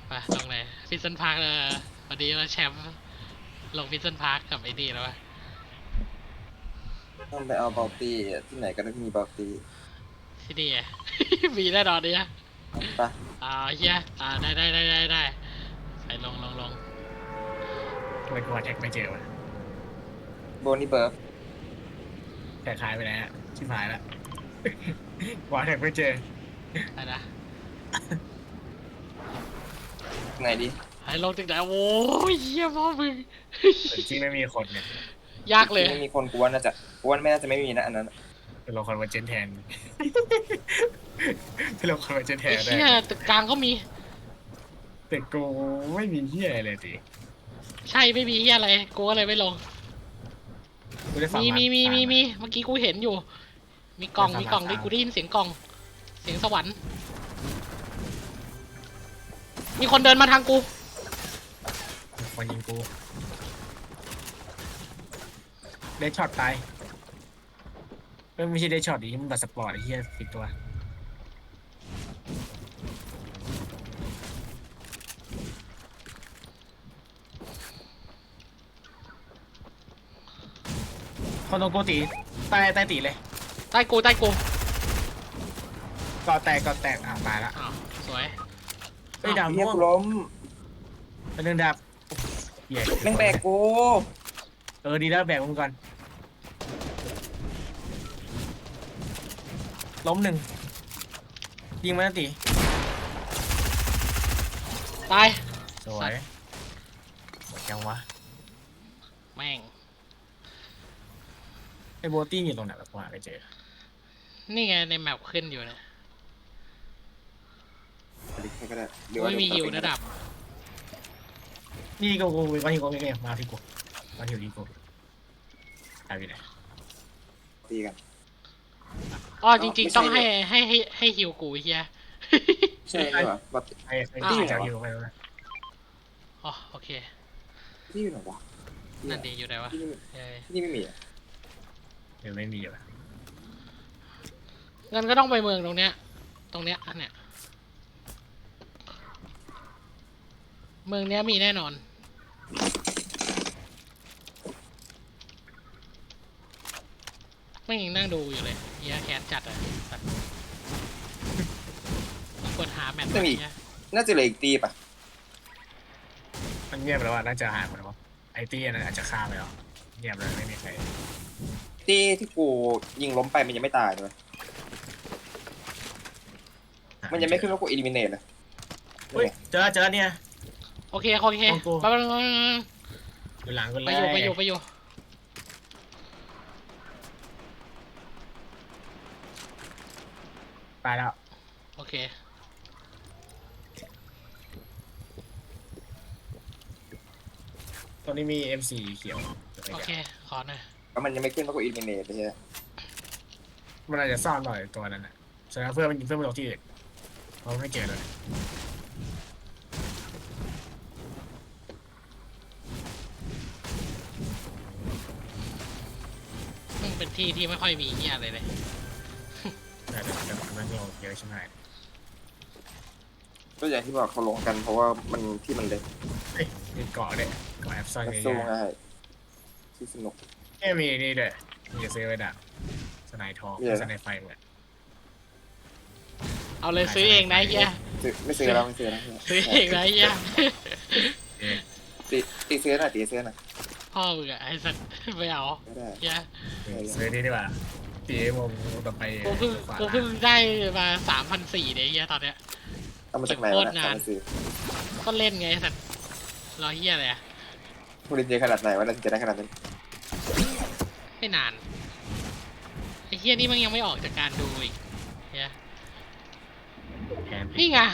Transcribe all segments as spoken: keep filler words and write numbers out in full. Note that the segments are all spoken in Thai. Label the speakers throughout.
Speaker 1: ไปลงไหนฟิสเซนพาร์คเลยพอดีว่าแชมป์ลงฟิสเซนพาร์คกับไอ้นี่แล้ววะ
Speaker 2: ต้องไปเอาเบลตี้ที่ไหนก็ได้มีเบลตี้
Speaker 1: ที่นี่ มีแน่นอนเนี่ย
Speaker 2: ปะ
Speaker 1: อ่าเฮียอ่าได้ได้ได้ได้ได้ไปลงลงลง
Speaker 3: ทำไมกูหาแท็กไม่เจอวะ
Speaker 2: โบนี่เบิร์ฟ
Speaker 3: แท็กหายไปแล้วชิบหายแล้วกูหาแท็กไม่เจอ
Speaker 1: ไปนะ
Speaker 2: ไหนดิ
Speaker 1: ไอ้ลงจากไหนโอ้ยเฮียพ่อมึง
Speaker 3: แต่จริงไม่มีคนเนี่ย
Speaker 1: ยากเลย
Speaker 2: ไม่มีคนกวนน่าจะกวนไม่น่าจะไม่มีนะอันนั้น
Speaker 3: เป็นลงคนมาเจนแทนเป็นลงคนมาเจนแทน
Speaker 1: ไอ้
Speaker 3: ได้
Speaker 1: เฮียตึกกลางก็มี
Speaker 3: แต่กูไม่มีเฮียอะไรเลยสิ
Speaker 1: ใช่ไม่มีเฮียอะไรกูก็เลยไม่ลงมีมีมีมีมีเมื่อกี้กูเห็นอยู่มีกล่องมีกล่องด้วยกูได้ยินเสียงกล่องเสียงสวรรค์มีคนเดินมาทางกู
Speaker 3: คนยิงกูได้ช็อตตายไม่ใช่ได้ช็อตดิมันบัตรสปอร์ตไอ้เหี้ยสิบตัวคนตรงกูตีใต้ใต้ตีเลย
Speaker 1: ใต้กูใต้กู
Speaker 3: ก่อแตกก่อแตกอ่ะตายละ
Speaker 1: อ้าวสวย
Speaker 3: ไอ้ดำ
Speaker 2: เฮีย
Speaker 3: ม่วง
Speaker 2: กูล้ม
Speaker 3: เป็นเรื่องดับเหี้ย
Speaker 2: แม่งแบกกู
Speaker 3: เออดีแล้วแบกมึงก่อนล้มหนึ่งยิงมาตี
Speaker 1: ตาย
Speaker 3: สวยหมดยังวะ
Speaker 1: แม่ง
Speaker 3: ไอ้โบตี้อยู่ตรงไหนแบบว่าไปเจอ
Speaker 1: นี่ไงในแมปขึ้นอยู่นะไม่มีฮิวระดับ
Speaker 3: นี่กูกูมาที่กูไม่ไงมาที่กูมาที่กูหายไปไหน
Speaker 2: ตีกัน
Speaker 1: อ๋อจริงๆต้องให้ให้ให้ให้ฮิวกูเฮีย
Speaker 2: ใช่เหรอบัต
Speaker 3: ไอ้ไอ้ที่จะฮิวไปแล้ว
Speaker 1: อ๋อโอเค
Speaker 2: ที่อยู่ไหนวะ
Speaker 1: นั่นดีอยู่ไหนวะ
Speaker 2: ที่ไม่มีอ่ะ
Speaker 3: เดี๋ยวไม่มีอยู่
Speaker 1: งั้นก็ต้องไปเมืองตรงเนี้ยตรงเนี้ยอันเนี้ยเมืองเนี้ยมีแน่นอนไม่ยังนั่งดูอยู่เลยเฮียแคสจัดอะกดหาแมท
Speaker 2: ไม่มีน่าจะเหลืออีกตีป่ะ
Speaker 3: มันเงียบแล้วว่าน่าจะหายหมดแล้วไอ้ตี้นั้นอาจจะฆ่าไปแล้วเงียบเลยไม่มีใคร
Speaker 2: ตีที่กูยิงล้มไปมันยังไม่ตายเลยมันยังไม่ขึ้นว่ากูอิลิมิเนตเลย
Speaker 3: เฮ้ยเจอเจอเนี่ย
Speaker 1: โอเคโอเคไปไปไป
Speaker 3: อยู่หลังกันเลย
Speaker 1: ไปอยู่ไปอยู่ไปอยู่
Speaker 3: ไปแล้ว
Speaker 1: โอเค
Speaker 3: ตรงนี้มี เอ็ม โฟร์ เขียว
Speaker 1: โอเคขอหน่อย
Speaker 2: ก็มันยังไม่ขึ้นว่ากูอิลิมิเนตเลยใช่ไหม
Speaker 3: มันอาจจะซ่อนหน่อยตัวนั้นแหละแสดงเพื่อนมันยิงเพื่อนมันตกที่อื่นเราไม่เจอเลย
Speaker 1: มันเป็นที่ที่ไม่ค่อยมีเหี้ยอะไรเลย
Speaker 3: แต่แต่มันโง่เยอะใช่ไหม
Speaker 2: ก็อย่างที่บอกเขาลงกันเพราะว่ามันที่มันเล็ก
Speaker 3: เฮ้ยมีเกาะเลยเกาะแอปซ่อนเยอะ
Speaker 2: สู้ง่ายที่สนุก
Speaker 3: เอ้มีนี่ด้วยมีจะซื้อไว้ดักสไนทองสไนไฟเหมือน
Speaker 1: เอาเลยซื้อเองนะเฮีย
Speaker 2: ไม่ซื้อแล้วไม่ซื้อแล้ว
Speaker 1: ซื้อเองนะเฮีย
Speaker 2: ตีตีซื้อหน่อยตีซื้อหน่อย
Speaker 1: พ่อมึงอะไอ้สัตว์ไม่เอาเฮีย
Speaker 3: ซื้อนี่ดีกว่าตีวงต่อไป
Speaker 1: กูเพิ่งกูเพิ่งได้มาสามพันสี่เนี่ยเฮียตอนเนี้ย
Speaker 2: เอามาจากไหนวะนะ
Speaker 1: ก็เล่นไงสัตว์รอเฮียอะไรอะ
Speaker 2: ผู้เล่นเยอะขนาดไหนวะเล่นจะได้ขนาดนั้น
Speaker 1: ไม่นานไอ้เฮียนี่มันยังไม่ออกจากการดูอีกเฮียนี่ไง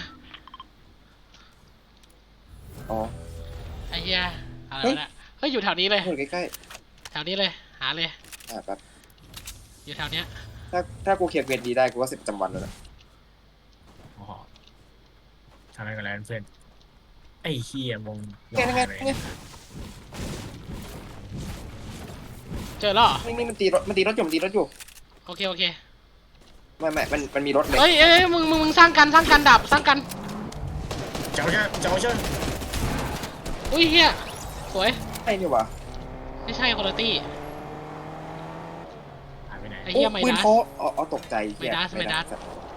Speaker 2: อ๋อ
Speaker 1: ไอ้เฮียอะไรวะเนี่ยเฮ้ยอยู่แถวนี้เลย
Speaker 2: อยู่ใกล้
Speaker 1: ๆแถวนี้เลยหาเลย
Speaker 2: อ่าครับ
Speaker 1: อยู่แถวเนี้ย
Speaker 2: ถ้าถ้ากูเขียนเวทดีได้กูก็สิบประจำวันแล้วนะ
Speaker 3: อ๋อทำอะไรกันแล้วเพื่อนไอ้เฮียวง
Speaker 1: เจอแล้ว
Speaker 2: นี่นี่มันตีรถมันตีรถอยู่มันตีรถอยู่
Speaker 1: โอเคโอเค
Speaker 2: ไม่ไม่มันมันมีรถเลย
Speaker 1: เฮ้ยเอ้ยมึงมึงมึงสร้างกันสร้างกันดับสร้างกัน
Speaker 3: เจ้าเจ้าเจ้าเจ้า
Speaker 1: อุ้ยเฮียสวย
Speaker 2: ไอ้นี่วะ
Speaker 1: ไม่ใช่คุณตี้
Speaker 3: หายไปไหน
Speaker 1: ไอ้
Speaker 2: โอ้
Speaker 1: เฮียไม
Speaker 2: ปืน
Speaker 1: ดัส
Speaker 2: เขาอ๋ออ๋อตกใจเหี้ย
Speaker 1: ไม่ดัสไม่ดัส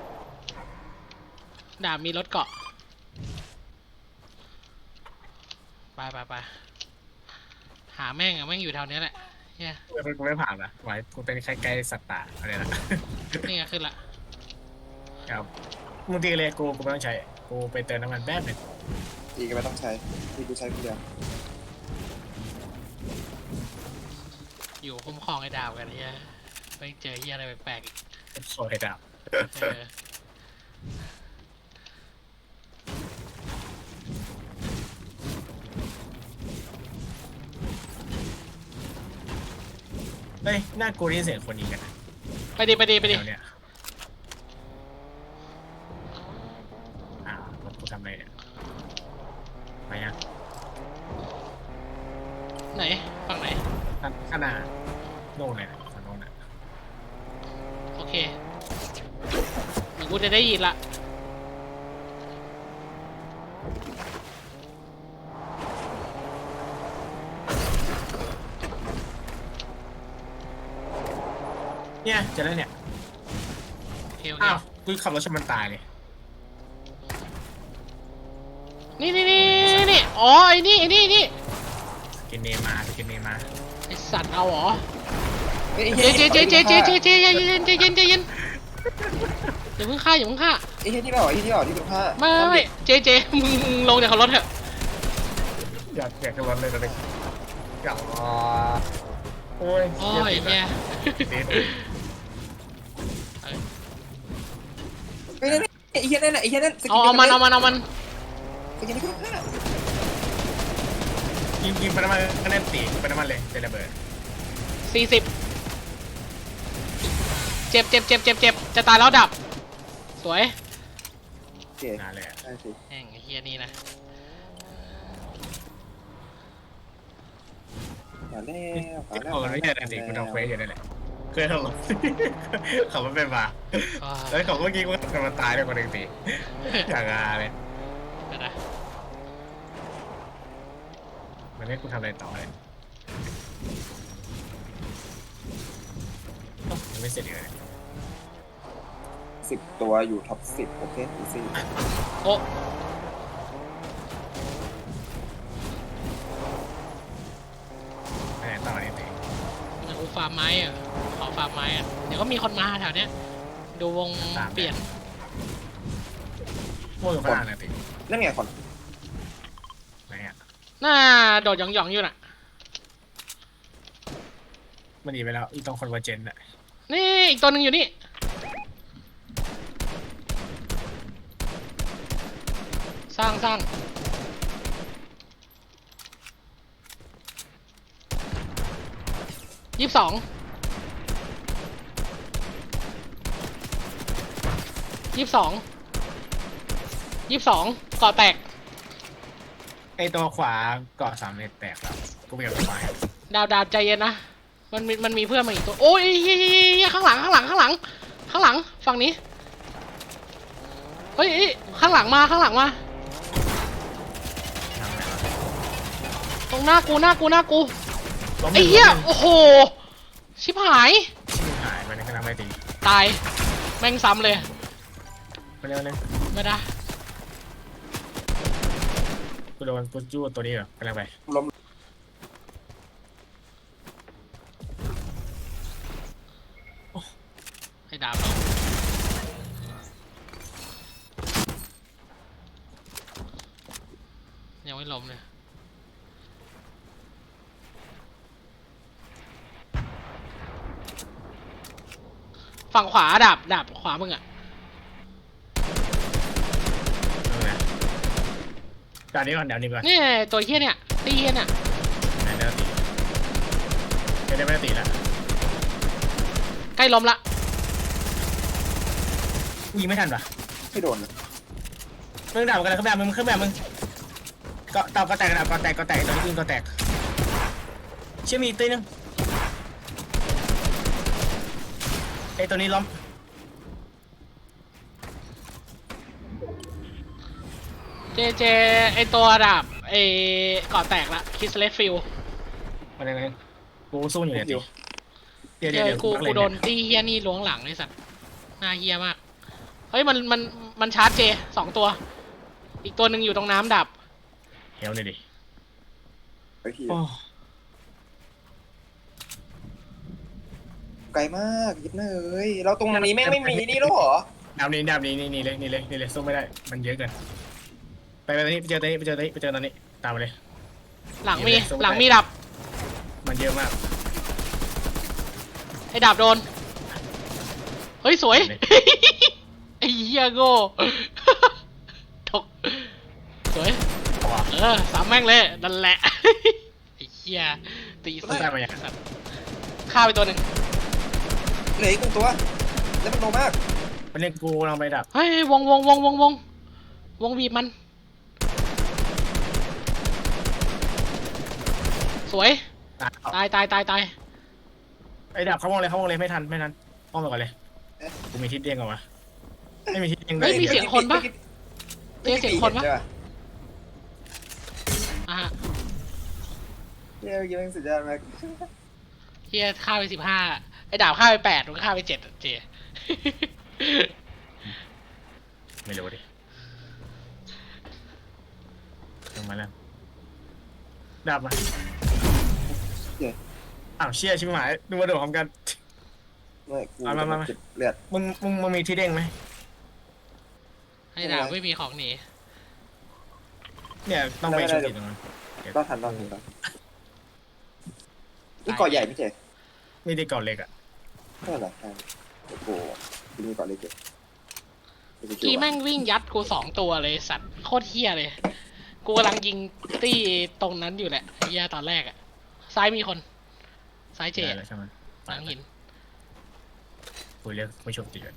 Speaker 1: ดาบมีรถเกาะไปไปไปหาแม่งอะแม่งอยู่แถวเนี้ยแหละเฮีย
Speaker 3: กูไม่ผ่านนะไว้กูเป็นแค่ไกลสัตว์ป่าอะไรนะ
Speaker 1: นี่ไงขึ้นละ
Speaker 3: ครับมึงตีเลยกูกูไม่ต้องใช้กูไปเติมน้ำมันแป๊บหนึง
Speaker 2: อีกก็ไม่ต้องใช้ที่กูใช้คนเดียว
Speaker 1: อยู่คุ้มครองไอ้ดาบกันเฮียไปเจอเฮียอะไรแปลกๆอีก
Speaker 3: โซ่ให้ดาบ
Speaker 1: เออ
Speaker 3: เฮ้ยหน้ากูได้ยินเสียงคนยิงกันนะ
Speaker 1: ไปดิไปดิไปดิ
Speaker 3: แถวเนี้ยอ่าวรถกูทำอะไรเนี่ยไปยัง
Speaker 1: ไหนฝั่งไหน
Speaker 3: ข้างข้างหน้าโน่นเลยนะฝั่งโน่นน่ะ
Speaker 1: โอเคเดี๋ยวกูจะได้ยินละ
Speaker 3: เนี่ยเจะแล้วเนี่ย
Speaker 1: โอเคโอเค
Speaker 3: อ้าวกูขับรถชนมันตายเลย
Speaker 1: นี่นี่นี่นี่อ๋อไอ้นี่ไอ้นี่นี่
Speaker 3: สกินเนมาสกินเนมา
Speaker 1: ไอสัตว์เอาเหรอ
Speaker 2: เฮ้ย
Speaker 1: เจเจเจเจเจเจเจใจเย็นใจเย็นใจเย็นอย่าเพิ่งฆ่าอย่าเพิ่งฆ่า
Speaker 2: ไอ้เหี้ยที่เปล่าไอ้เหี้ยที่เปล่าที่เป็นผ้า
Speaker 1: ไม่ไม่ไม่เจเจมึงมึงลงจากรถเถอะ
Speaker 3: อยากอยากจะรถเลยตอนนี้อยากโอ้ย
Speaker 1: โอ้ยเนี่ย
Speaker 3: เด็ด
Speaker 2: เฮ้ยนั่นไอ้เหี้ยนั่นน่ะไอ้เหี้ยนั่นสกิ
Speaker 1: เอาเอามันเอามันเอามัน
Speaker 2: สกินที่เป็นผ้า
Speaker 3: ยิงยิงไปน้ำมันก็แน่นตีไปน้ำมันเลยเจะระเบิด
Speaker 1: สี่สิบเจ็บเจ็บเจ็บเจ็บเจ็บจะตายแล้วดับ สวย
Speaker 2: โอเคน
Speaker 3: านเลยอะ
Speaker 2: ได้สิ
Speaker 1: แห่งไอ้เฮียนี่นะ
Speaker 2: มาแล้วมาแล้ว
Speaker 3: โอ้ยไม่ใช่แต่สิกูทำเควสอยู่นั่นแหละเคยทำหรอเขาไม่เป็นมา
Speaker 1: อ่า
Speaker 3: แล้วเขาเมื่อกี้กูทำมันตายด้วยคนหนึ่งสิอย่างงาเลย
Speaker 1: เดี๋ยวนะ
Speaker 3: มันให้กูทำอะไรต่อเลยเอ้ายังไม่เสร็จอีกเลย
Speaker 2: สิบตัวอยู่ท็อปสิบโอเคอีซี่
Speaker 1: โอ้
Speaker 3: ไปไหนต่อเนี่ยสิ
Speaker 1: เดี๋ยวกูฟาร์มไม้อะขอฟาร์มไม้อะเดี๋ยวก็มีคนมาแถวเนี้ยดูวงเปลี่ยน
Speaker 3: โม่อยู่ข้างล่างเนี่ยสิ
Speaker 2: นั่นไงคน
Speaker 3: ไหนอ่ะ
Speaker 1: น่าโดดหยองๆอยู่น่ะ
Speaker 3: มันหนีไปแล้วอีตรงคอนเวอร์เจนต์อ่ะ
Speaker 1: นี่อีกตัวหนึ่งอยู่นี่ สร้างสร้างยี่สิบสองยี่สิบสองยี่สิบสองเกาะแตก
Speaker 3: ไอตัวขวาเกาะสามเม็ดแตกแล้วกูไม่อยากไป
Speaker 1: ดาวดาวใจเย็นนะ มันมีมันมีเพื่อนมาอีกตัว โอ้ยเฮ้ยเฮ้ยเฮ้ยข้างหลังข้างหลังข้างหลัง ข้างหลังฝั่งนี้ เฮ้ยเฮ้ยข้างหลังมาข้างหลังมา
Speaker 3: ทำไงวะ
Speaker 1: ตรงหน้ากูหน้ากูหน้ากู
Speaker 3: ล้ม
Speaker 1: ไอ้เหี้ย
Speaker 3: ล้ม
Speaker 1: โอ้โห ชิบหาย
Speaker 3: ชิบหายไปในกำลังไปตี
Speaker 1: ตาย แม่งซ้ำเลย
Speaker 3: ไปเร็วเลย
Speaker 1: ไม่ได้
Speaker 3: กูโดนกูจู้ตัวนี้เหรอกำลังไป
Speaker 2: ล้ม
Speaker 1: ให้ดาบเรายังไม่ล้มเลย ฝั่งขวาดาบดาบขวามึงอะ
Speaker 3: เอาไงตอนนี้ก่อนเดี๋ยวนี้ก่อน
Speaker 1: นี่ตัวเฮี้ยเนี่ยตีเฮี้ยเนี่ย
Speaker 3: ไหนเดี๋ยวตีไม่ได้ไม่ได้ตีแล้ว
Speaker 1: ใกล้ล้มละ
Speaker 3: ยิงไม่ทันปะ
Speaker 2: ไม่โดนนะ
Speaker 3: มึงด่ากันเลยขึ้นแบบมึงขึ้นแบบมึงเกาะเตาก็แตกนะเกาะแตกเกาะแตกตัวนี้ยิงเกาะแตกเชื่อมีอีกตีนึงไอตัวนี้ล้ม
Speaker 1: เจเจไอตัวดาบไอเกาะแตกละคิสเลสฟิล
Speaker 3: มาเลยนะกูสู้อยู่เนี่ย
Speaker 2: คิว
Speaker 3: เดี๋ยว
Speaker 1: เจ
Speaker 3: เดี๋ยว
Speaker 1: อ
Speaker 3: เดี๋ยว
Speaker 1: กู
Speaker 3: กู
Speaker 1: กูโดนตีเฮียนี่ล้วงหลังไอสัตว์หน้าเฮียมากเฮ้ยมันมันมันชาร์จเจสองตัว อีกตัวหนึ่งอยู่ตรงน้ำดับ
Speaker 3: เฮลเลยดิ
Speaker 2: ไอ้ที่
Speaker 3: โอ้
Speaker 2: ไกลมากยิบหน้าเอ้ยเราตรงนี้แม่งไม่มีนี่แล้วเหรอ
Speaker 3: ดาวนี้ดาวนี้นี่นี่เลยนี่เลยนี่เลยสู้ไม่ได้มันเยอะเกินไปไปตอนนี้ไปเจอตอนนี้ไปเจอตอนนี้ไปเจอตอนนี้ตามไปเลย
Speaker 1: หลังมีหลังมีดับ
Speaker 3: มันเยอะมาก
Speaker 1: ไอดาบโดนเฮ้ยสวย ไอเฮียโง่ ถกสวยเออสามแม่งเลยนั่นแหละ ไอเฮียตีสัต
Speaker 3: ได้มาอย่าง
Speaker 1: ว์ฆ่าไปตัวหนึ่ง
Speaker 2: เหลืออีกหนึ่งตัวแล้วมันโนมาก
Speaker 3: มันเล่นกูลองไปดับ
Speaker 1: เฮ้ยวงวงวงวงวงวงบีบมัน สวย ตายตายตายตาย
Speaker 3: ไอ้ดับเขามองเลยเขามองเลยไม่ทันไม่ทันมองไปก่อนเลยกูมีทิศเด้งเหรอวะไม่มีทิศเด้งเล
Speaker 1: เฮ้ย
Speaker 3: ย
Speaker 1: มีเสียงคนปะเจ๊เสียงคนปะ
Speaker 2: ใช่ปะ
Speaker 1: อ่ะฮะ
Speaker 2: เย้ยยังสุดยอดมาก
Speaker 1: เฮียฆ่าไปสิบห้าไอ้ดาบฆ่าไปแปดมันฆ่าไปเจ็ดเจ
Speaker 3: ไม่รู้ดิลงมาแล้วดับมาอ้าวเชี่ยชิบหายดูมาโดดพร้อมกัน
Speaker 2: ไม่กู
Speaker 3: มามามา
Speaker 2: เจ็บเลือด
Speaker 3: มึงมึงมึงมีที่เด้งไหม
Speaker 1: ไอ้ดาบไม่มีของหนี
Speaker 3: เนี่ยต้องไปชุดอีกตรงนั้น
Speaker 2: ต้องทันต้องทันต้องนี่เกาะใหญ่ไม่ใช่
Speaker 3: นี่ได้ก่อนเล็กอ่ะ
Speaker 2: เท่าไหร่ครับโอ้โหที่นี่เกาะเล็กเกิน
Speaker 1: กีแม่งวิ่งยัดกูสองตัวเลยสัตว์โคตรเฮียเลย กูกำลังยิงตี้ตรงนั้นอยู่แหละเฮียตอนแรกอะซ้ายมีคน ซ้ายเจ
Speaker 3: ได้แล้วใช่ไหม
Speaker 1: หลังหิน
Speaker 3: คุยเรียกไม่ชมตีกัน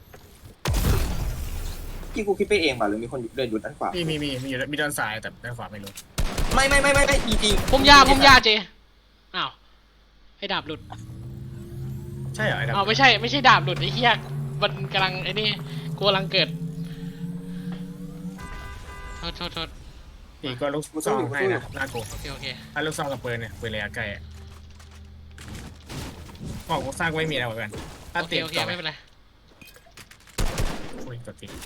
Speaker 2: ที่กูคิดไปเองป่ะหรือมีคนเดินอยู่ด้านขวา
Speaker 3: มีมีมีมีอยู่มีด้านซ้ายแต่ด้านขวาไม่รู้
Speaker 2: ไม่ไม่ไม่ไม่ไม่จริง
Speaker 1: พุ่มยาพุ่มยาเจอ้าวไอ้ดาบหลุด
Speaker 3: ใช่เหรอไอ้ดับ
Speaker 1: อ้าวไม่ใช่ไม่ใช่ดาบหลุดไอ้เฮียมันกำลังไอ้นี่กูกำลังเกิดโทษโทษโทษ
Speaker 3: อีกก็ลูกซองให้นะน่ากลัว
Speaker 1: โอเคโอเค
Speaker 3: ถ้าลูกซองกับปืนเนี่ยปืนระยะไกลอ่ะบอกกูสร้างไว้มีอะไรเหมือนกันถ้า
Speaker 1: โอเค
Speaker 3: ติด
Speaker 1: โอเค
Speaker 3: ต่อไป
Speaker 1: ไม่เป็นไร
Speaker 3: อุ้ยตัวติด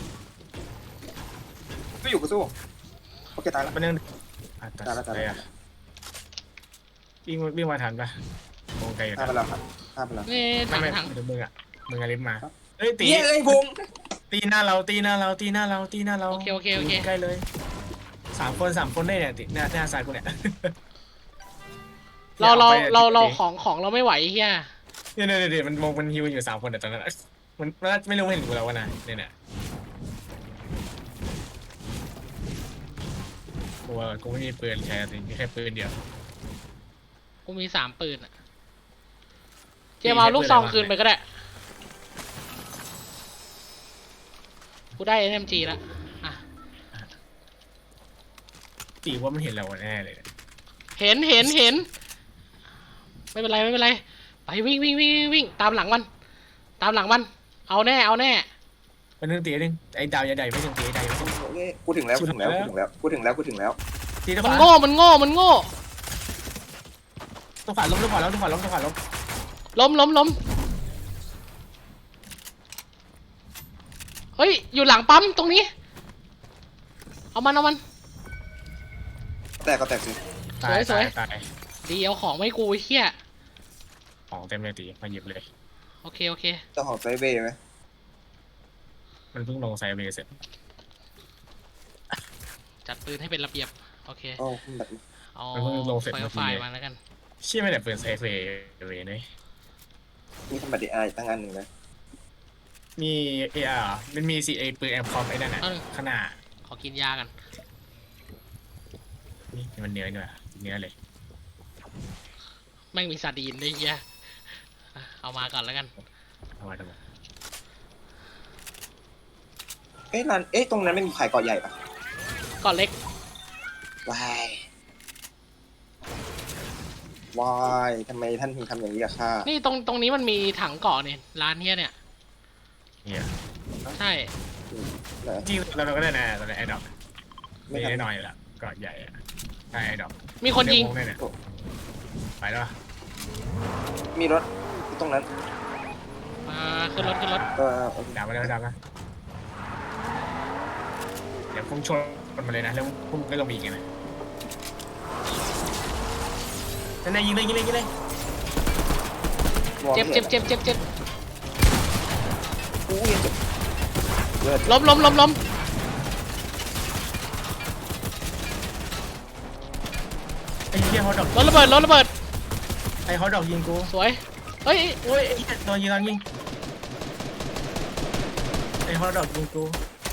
Speaker 2: ก็อยู่กูสู้โอเคตายแล้ว
Speaker 3: มันยังอ่ะตัด
Speaker 2: ตายแล้วตายแล้ว
Speaker 3: ไปอ่ะวิ่งวิ่งมาทันปะวงไกลอยู่
Speaker 2: ฆ่า
Speaker 3: นะ
Speaker 2: ไปแล้วครับฆ่าไปแล้ว
Speaker 1: นี่
Speaker 3: ไม่
Speaker 1: ถัง
Speaker 3: ไม่
Speaker 1: ถัง
Speaker 3: เดี๋ยวมึงอ่ะมึงอะลิฟต์มา
Speaker 2: ครับ
Speaker 3: เฮ้ยตี
Speaker 2: เย้เอ้ยพง
Speaker 3: ตีหน้าเราตีหน้าเราตีหน้าเราตีหน้าเรา
Speaker 1: โอเคโอเคโอเค
Speaker 3: ใกล้เลยสามคนสามคนได้เนี่ยติหน้าหน้าซ้ายกูเนี่ย
Speaker 1: เราเรา
Speaker 3: อไป
Speaker 1: เราเรา
Speaker 3: ติ
Speaker 1: ของของเราไม่ไหวเฮีย
Speaker 3: เนี่ยเนี่ยเนี่ยมันมองมันฮิวอยู่สามคนแต่ตอนนั้นอะมันมันไม่รู้ไม่เห็นกูแล้ววะนะเนี่ยเนี่ยกูว่ากูไม่มีปืนใช้สิมีแค่ปืนเดียว
Speaker 1: กูมีสามปืนอะเจมเอาลูกซองคืนไปก็ได้กูได้ เอ็ม จี แล้วอ่ะ
Speaker 3: ตีว่ามันเห็นเราแน่เลย
Speaker 1: เห็นเห็นเห็นไม่เป็นไรไม่เป็นไรไปวิ่งวิ่งวิ่งวิ่งวิ่งตามหลังมัน ตามหลังมัน เอาแน่เอาแน่
Speaker 3: มันนึงตีนึงไอ้ดาวใหญ่ๆไม่ถึงตีไอ้ดาวไม่ถึง
Speaker 2: โอเคกูถึงแล้วกูถึงแล้วกูถึงแล้วกูถึงแล้วกูถึงแล้ว
Speaker 3: ตีตัว
Speaker 1: มัน
Speaker 3: ขวา
Speaker 1: โง่มันโง่มันโง่
Speaker 3: ตัวขวาล้มตัวขวาล้มตัวขวาล้มตัวขวาล้ม
Speaker 1: ล้มล้มล้มเฮ้ยอยู่หลังปั๊มตรงนี้ เอามันเอามัน
Speaker 2: แตกก็แตกสิ
Speaker 3: ตาย
Speaker 1: สวย
Speaker 3: ตายตาย
Speaker 1: ดีเอาของไม่กูไอ้เฮีย
Speaker 3: ของเต็มเลยตีมาหยิบเลย
Speaker 1: โอเคโอเค
Speaker 2: เจ้าของไซเบย์ไหม
Speaker 3: มันเพิ่งลงไซเบย์เสร็จ
Speaker 1: จัดปืนให้เป็นระเบียบโอเค
Speaker 2: โอ้แบบ
Speaker 1: เอา
Speaker 3: มันเพิ่งลงเสร็จ
Speaker 1: ไฟ
Speaker 3: เมื่อกี้
Speaker 1: ไฟล์มาแล้วกัน
Speaker 3: เชี่ยไม่ได้เปิดไซเบย์เลยเนี่ย
Speaker 2: มีคอมบัตดีอาร์ตั้งอันหนึ่งนะ
Speaker 3: มีเออาร์มันมีซีเอปืนแอมคอมไอ้นั่นน่ะ
Speaker 1: เอ้า
Speaker 3: ขนาด
Speaker 1: ขอกินยากัน
Speaker 3: นี่มันเนื้อนี่ว่ะเนื้อเลย
Speaker 1: แม่งมีซาดีนด้วยเฮียอ่ะเอามาก่อนแล้วกัน
Speaker 3: เอาไว้ทำไม
Speaker 2: เอ๊ะร้านเอ๊ะตรงนั้นไม่มีขายเกาะใหญ่ปะ
Speaker 1: ก่อนเล็ก
Speaker 2: วายวายทำไมท่านถึงทำอย่างนี้กับข้า
Speaker 1: นี่ตรงตรงนี้มันมีถังเกาะนี่ร้านเฮียเนี่ย
Speaker 3: เนี่ย
Speaker 1: ใช่
Speaker 2: เหรอ
Speaker 3: จริงเราเราก็ได้นะตอนนี้ไอ้ดอก
Speaker 2: ไม่
Speaker 3: มี
Speaker 2: ทัน
Speaker 3: แน่นอนอยู่แล้วเกาะใหญ่อะใช่ดอก
Speaker 1: มีคนยิง
Speaker 3: เดี๋วผมเนี่ยไปแล้ว
Speaker 2: มีรถตรงนั้น
Speaker 1: อ่าขึ้นรถขึ้นรถ
Speaker 2: เออ
Speaker 3: ดับมาแล้วดับมาเดี๋ยวพุ่งชนมันมาเลยนะแล้วพุ่งก็ลงไปอีกไงนะนั่นไงยิงเลยยิงเลยยิงเลย
Speaker 2: มอง
Speaker 1: เจ็บ
Speaker 2: ไม่
Speaker 1: เจ็
Speaker 2: ห็
Speaker 1: บ
Speaker 2: น
Speaker 1: เจ็บเจ็บเจ็บ
Speaker 2: อู้ยเจ็บเลือด
Speaker 1: ล้มล้มล้มล้ม
Speaker 3: ไอ้เหี้ยฮอตดอก
Speaker 1: รถระเบิดรถระเบิด
Speaker 3: ไอ้ฮอตดอกยิงกู
Speaker 1: สวยเฮ้ย
Speaker 3: โอ้ยไอ้เหี้ยโดนยิงโดนยิงไอ้ฮอตดอกยิงกู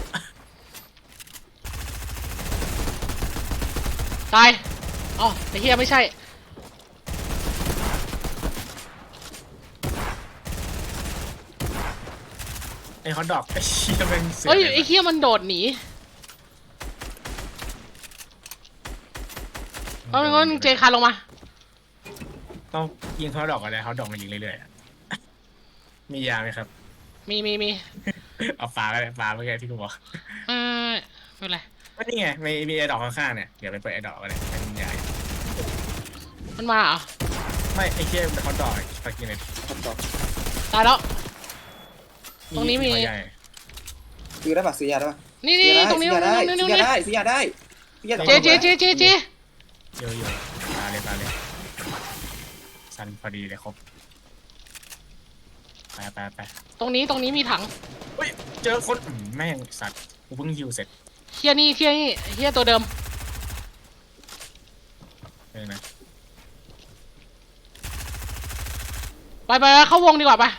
Speaker 1: ตายอ๋อไอ้เฮียไม่ใช่
Speaker 3: ไอ้ฮอตดอกไอ้เหี้ยเป็นเสือ
Speaker 1: เฮ้ยไอ้เฮียมันโดดหนีเอางั้นเจคานลงมา
Speaker 3: ต้องยิงฮอตดอกอะไรฮอตดอกมายิงเรื่อยๆอะมียาไหมครับ
Speaker 1: มีมีมี
Speaker 3: เอาปลาก็ได้ปลาเมื่อกี้ที่กูบอก
Speaker 1: เออไม่เป็นไร
Speaker 3: ก็นี่ไงมีมีไอ้ดอกข้างๆเนี่ยเดี๋ยวไปเปิดไอ้ดอกกันเลยไอ้มันใหญ่
Speaker 1: มันมาเหรอ
Speaker 3: ไม่ไอ้เชี่ยเป็นฮอตดอกปลากินเลย
Speaker 2: ทดสอบ
Speaker 1: ตายแล้ว ตรงนี้มี
Speaker 3: หัวใหญ่
Speaker 2: ซื้อได้ปะซื้อยาได้ปะ
Speaker 1: นี่นี่ตรงนี้
Speaker 2: ซื้อยาได้
Speaker 1: ตรง
Speaker 2: ซื้
Speaker 1: นี้
Speaker 2: อ
Speaker 1: ตรง
Speaker 2: ยา
Speaker 1: นี้
Speaker 2: ได้ซื้อยาได้ซื้อยาได้
Speaker 1: เจเจเจเจเจ
Speaker 3: เยอะอยู่ปลาเลยปลาเลยสันพอดีเลยครบไปไปไป
Speaker 1: ตรงนี้ตรงนี้มีถัง
Speaker 3: เฮ้ยเจอคนอืมแม่งสัตว์กูเพิ่งฮิวเสร็จ
Speaker 1: เฮียนี่เฮียนี่เฮียตัวเดิม
Speaker 3: เออนะ
Speaker 1: ไปไปเข้าวงดีกว่าไป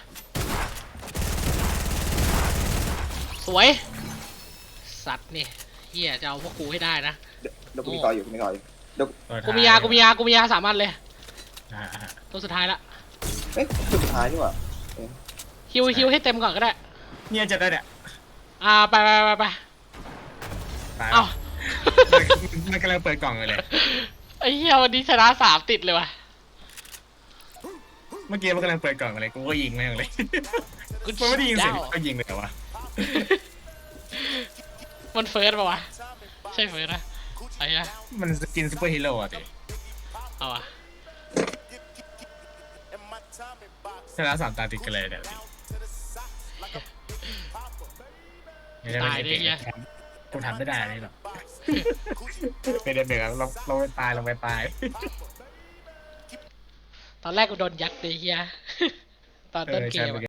Speaker 1: สวย สัตว์นี่เฮียจะเอาพวกกูให้ได้นะ
Speaker 2: เดี๋ยวเดี๋ยวกูมีต่ออยู่กูมีต่ออยู่เดี๋ยว
Speaker 3: ตัว
Speaker 1: กูมียากูมียากูมียาสามอันเลย
Speaker 3: อ่าอ่า
Speaker 1: ตัวสุดท้ายละ
Speaker 2: เอ้ยจุดสุดท้ายนี่หว่า
Speaker 1: ฮิวฮิวให้เต็มก่อนก็ได้
Speaker 3: เนี่ยจะได้เนี่ย
Speaker 1: อ่าไปไปไปไป
Speaker 3: ตาย
Speaker 1: เอ้า
Speaker 3: มันมันกำลังเปิดกล่องเลยเลย
Speaker 1: ไอ้เฮียวันนี้ชนะสามติดเลยว่ะ
Speaker 3: เมื่อกี้มันกำลังเปิดกล่องอะไรกูก็ยิงแม่งเลย
Speaker 1: กู
Speaker 3: มันไม่ได้ยิงเสียง
Speaker 1: ดาว
Speaker 3: ก็ยิงเลยเหรอวะ
Speaker 1: มันเฟิร์สป่าวะใช่เฟิร์สนะไอ้เหี้ย
Speaker 3: มันสกินซูเปอร์ฮีโร่อะดิ
Speaker 1: เอาอะ
Speaker 3: ชนะสามตาติดกันเลยเดี๋ยวดิไม่ได้ไม่ได้เก่งกูทำไม่ได้นี่หรอกเป็นเด็กๆลงลงไปตายลงไปตาย
Speaker 1: ตอนแรกกูโดนยัดเลยเฮียตอนต้นเกมอะ